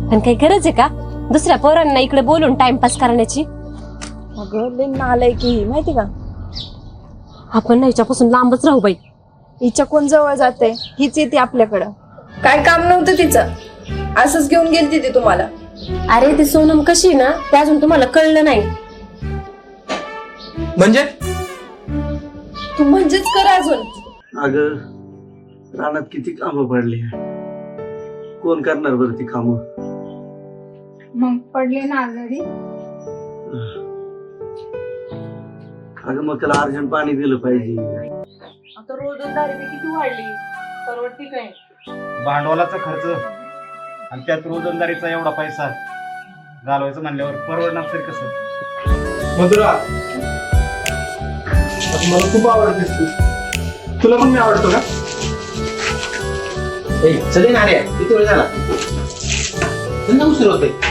पण काही गरज आहे का दुसऱ्या पोरांना इकडे बोलून टाइमपास करण्याची? अगं लय नालायक की ही, माहिती का? आपण ना हिच्यापासून लांबच राहू बाई. हिच्या कोण जवळ जाते, हीच येते आपल्याकडं. काय काम नव्हतं तिचं, असंच घेऊन गेलती ती तुम्हाला. अरे ती सोनम कशी ना ते अजून तुम्हाला कळलं नाही. म्हणजे तू म्हणजेच कर अजून. अगं रानात किती कामं पडली, कोण करणार बरं ती कामं? मग पडले ना आजारी. अगं मग त्याला अर्जंट पाणी दिलं पाहिजे. आता रोजंदारी किती वाढली, परवडती काय? भांडवलाचा खर्च आणि त्यात रोजंदारीचा एवढा पैसा घालवायचं म्हणल्यावर परवडणार तरी कसं? मधुरा, मला खूप आवडतेस तू. तुला पण मी आवडतो का? चले ना रे, किती वेळ झाला? उशीर होते.